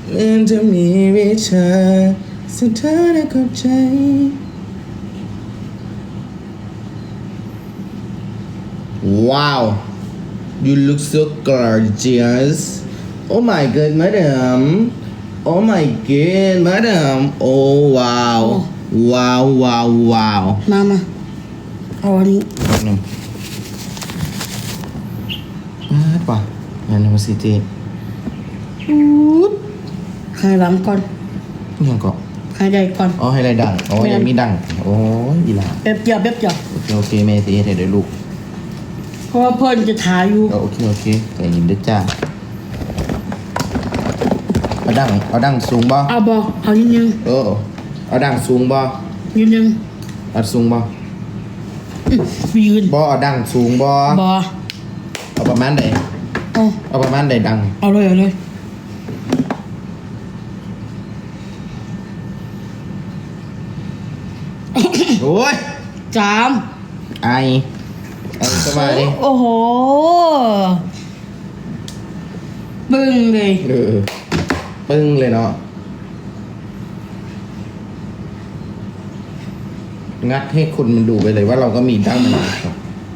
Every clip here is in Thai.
เลื่อนจะมีวิชาสุดท้ายเข้าใจ Wow you look so gorgeous oh my god madam oh my god madam oh wow wow wow wow มาเอาอันนี้หนึ่งป่ะงานมาสิเจให้หลังก่อนยังก็ให้ใหญ่ก่อนอ๋อให้อะไรดังอ๋อยังมีดังโอ้ยอีหลาเบบเดียวโอเคแม่สิเฮ็ดให้ได้ลูกเพราะว่าเพิ่นจะถ่ายอยู่โอเคใจเย็นเด้อจ้าเอาดังสูงบ่เอานิดนึงเอาดังสูงบ่นิดนึงเอาสูงบ่ยืนบ่เอาดังสูงบ่บอเอาประมาณใด เอาประมาณใดดังเอาเลยโอ้ย 3 ไอสบายดิโอ้โหบึ้งเลยปึ้งเลยเนาะงัดให้คนมันดูไปเลยว่าเราก็มีดั้งมันครับ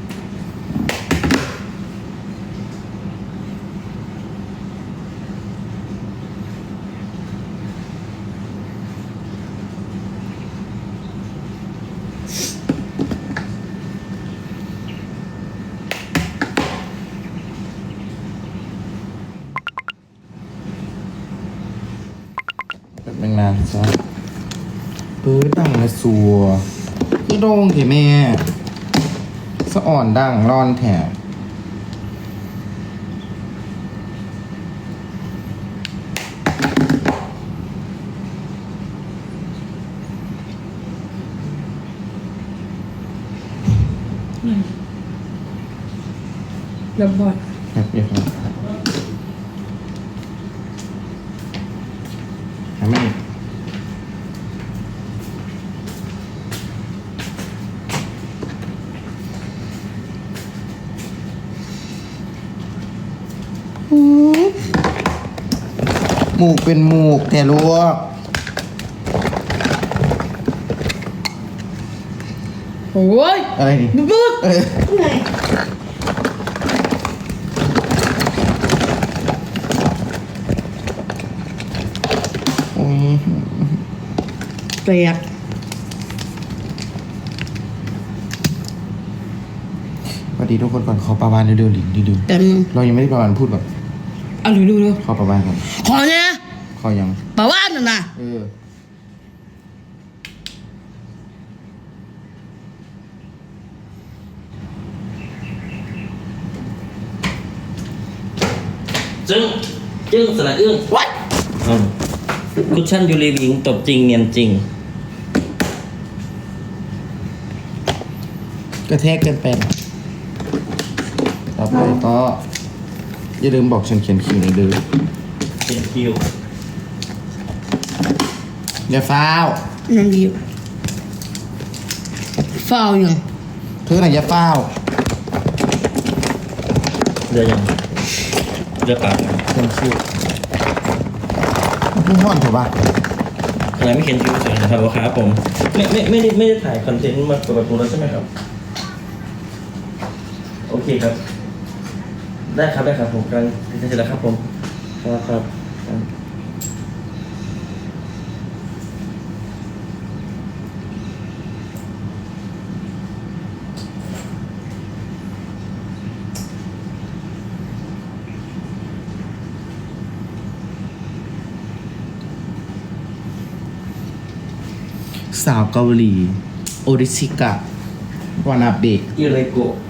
แบบนานๆซะปื้อดังเลยสัวคือโด่งเถแม่สะอ่อนดังร้อนแถบระบอดแบบนี้ครับทำไมหมูกเป็นหมูกแต่ลวกโอ้ยอะไรนี่บึ้งไงแตกสวัสดีทุกคนก่อนขอประวานเร็วๆหลิงดื้อแต่มึงๆเรายังไม่ได้ประวานพูดก่อนเอาดูขอประวานก่อนขอเนี่ยขอยังปะว่านน่ะจึ้งสระอึ้งวัดคุชชั่นยูรีวิงตบจริงเนียนจริงกระแทกเกินไปนะต่อไปก็อย่าลืมบอกฉันเขียนคิวในอยเดื้อเขียนคิวอย่าฟ้าวยังดีฟาวยังเธอไหนอย่าฟ้าวเรือยังเรือเปล่าเขียนคิวพูดห้อนเถอะบ้าอะไรไม่เขียนคิวเฉยนะครับครับผมไม่ได้ถ่ายคอนเทนต์มากับตัวแล้วใช่ไหมครับ โอเคครับ ได้ครับผมกำลังจะเสร็จแล้วครับผมครับสาวเกาหลีโอริชิกะวานาเบะอิเรโกะ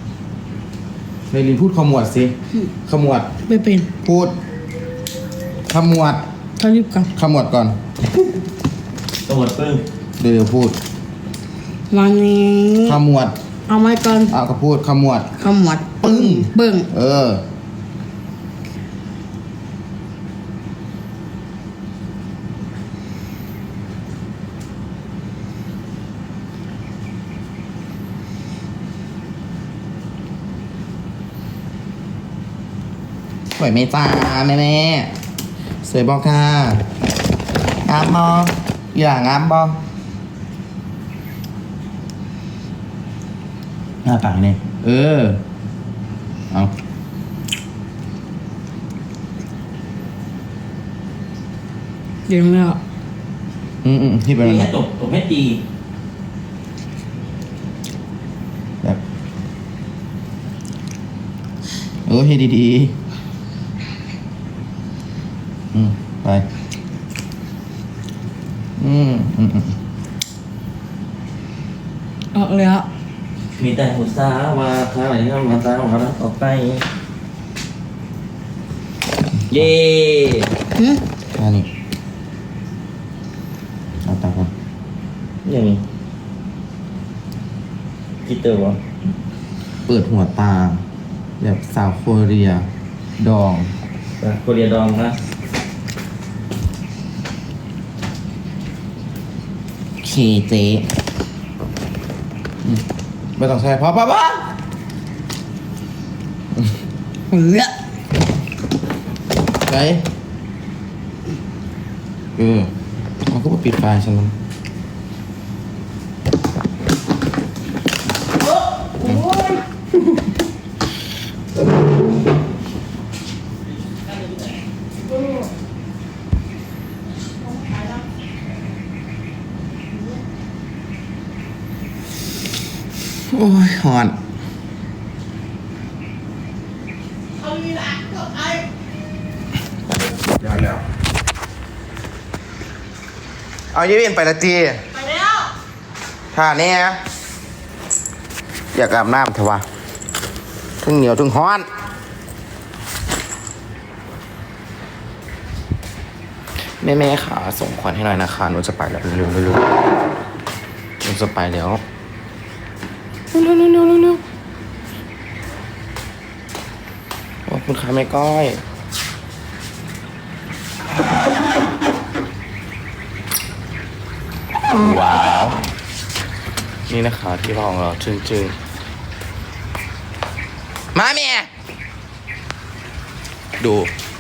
ในลินพูดขมวดสิขมวดไม่เป็นพูดขมวดเขารีบกันขมวดก่อนตัวหมดปึ้งเดี๋ยวพูดวันนี้ขมวดเอาไม้ก่อนก็พูดขมวดขมวดปึ้งเบิ่งสวยไหมจ้าแม่สวยบอกค่ะงามบออย่างามบอหน้าปากเนี่ยเอาเดี๋ยวแล้วที่เป็นตีอะไรให้ตบให้ตีแบบให้ดีๆไปออกแล้วมีแต่หัวซาว่าถ้าอะไรก็มาซาของเราต่อไปเย่แค่นี้เอาตาก่อนยังมีกี่ตัววะเปิดหัวตา แบบสาวโคเรีย ดองโคเรียดองนะเคเจไม่ต้องใช้พอปะเปะฮ้ยไปมันก็มาปิดไฟฉันมันโอ้ยหอนแล้วเอายี่เวียนไปละจีไปแล้วท่านี้อยากอาบน้ำเถอะวะทึ่งเหนียวทึ่งฮ้อนแม่ค่ะส่งขวัญให้หน่อยนะคะหนูจะไปแล้วเร็วๆหนูจะไปแล้วเร็วขอบคุณค่ะแม่ก้อยว้าวนี่นะคะที่ห้องเราจึงมาเมียดู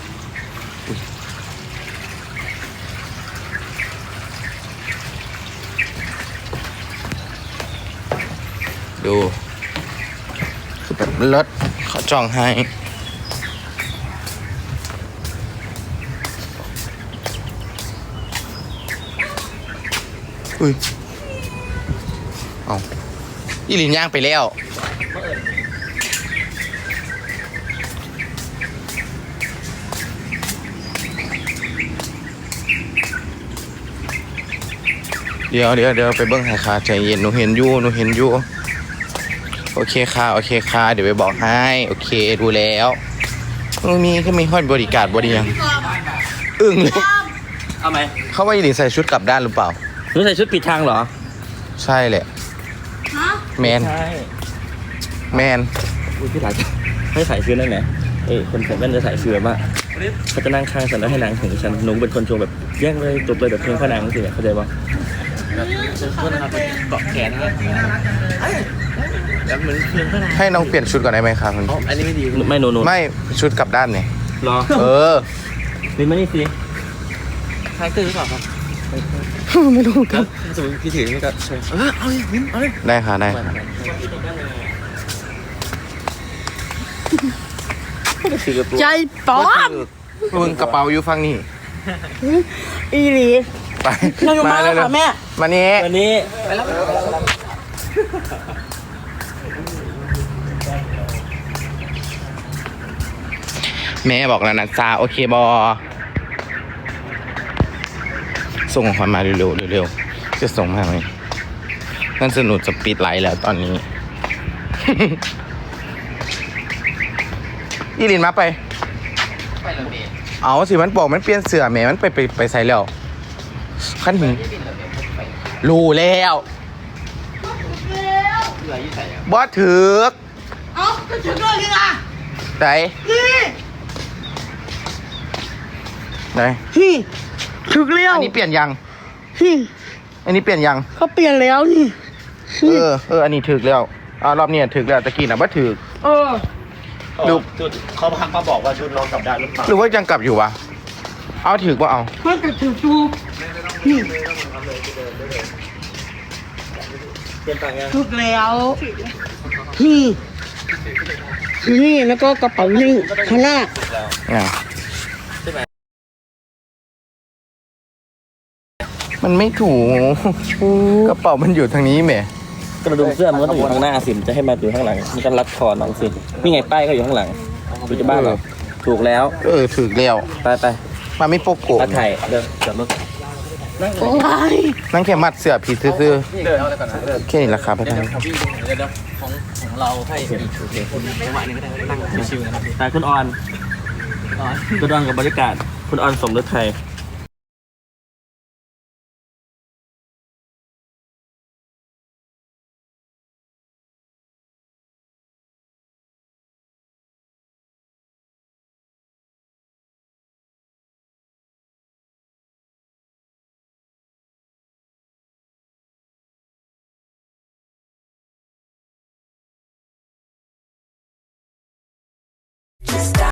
คือแบบรถเขาจองให้อุ้ยเอาอีลินย่างไปแล้วเดี๋ยวไปเบิ้งให้ค่ะใจเย็นหนูเห็นอยู่โอเคค่ะเดี๋ยวไปบอกให้โอเคดูแล้วมีห้อยบริการบริยังอึ้งเลยเอาไหมเขาว่าอีลินใส่ชุดกลับด้านหรือเปล่าหนูใส่ชุดปิดทางเหรอใช่แหละแมนใช่แมนอุ้ยพี่หลายให้ใส่ชุดนั่นแหละคนใส่แว่นจะใส่ชุดแบบว่าเขาจะนั่งข้างฉันแล้วให้นางถึงฉันหนูเป็นคนโชว์แบบแย่งเลยจบเลยแบบเพลงพ่อนางสิเข้าใจปะเกาะแขนแล้วเหมือนเพลงพ่อนางให้น้องเปลี่ยนชุดก่อนได้ไหมครับคุณอันนี้ไม่ดีไม่โนไม่ชุดกลับด้านเนี่ยรอนี่มานี่สิคล้ายตื่นหรือเปล่าครับไม่รู้ครับสมมติพี่ถือนี่ก็ใช่เอาเลยได้ค่ะใจป๊อมมึงกระเป๋าอยู่ฝั่งนี้อีหลีไปเราอยู่มาแล้วค่ะแม่มานี้วันนี้ไปแล้วแม่บอกแล้วนะจ้าโอเคบอส่งของขวัญมาเร็วจะส่งมาไหมนั่นสนุกจะปิดไลน์แล้วตอนนี้ อีลินมาไปเอาสิมันบอกมันเปลี่ยนเสื้อแหมมันไปใส่แล้วขั้นถึงรู้แล้วบอสถือกเอาก็ถึงเลยนี่ล่ะไหนนี่ไหนนี่ถึงแล้วอันนี้เปลี่ยนยังนี่อันนี้เปลี่ยนยังเขาเปลี่ยนแล้วนี่อันนี้ถือกแล้วรอบนี้ถือกแล้วตะกี้น่ะบ่ถือกเออดูชุดเขาพักมาบอกว่าชุดน้องกลับได้หรือเปล่าหรือว่ายังกลับอยู่วะเอาถือกว่าเอามันจะถึงดูนี่เปลี่ยนต่างยังถึงแล้วนี่นี่แล้วก็กระเป๋านี่ข้างหน้าอ่ะมันไม่ถูกกระเป๋ามันอยู่ทางนี้แหมกระดุมเสื้อมันก็ต้องอยู่ข้างหน้าสิมันจะให้มาอยู่ข้างหลังมันก็รัดคอน้องสินี่ไงป้ายก็อยู่ข้างหลังดูจะบ้าเหรอถูกแล้วถือกแล้วไปมาไม่โปกโกะมาถ่ายเดินจอดรถโอ้ยนั่งแค่มัดเสื้อผีซื่อๆแค่นี้ราคาไปทางของเราให้อีกจังหวะนึงก็ได้นั่งชิวๆกันถ่ายคุณออนกับบรรยากาศคุณออนสมฤทัย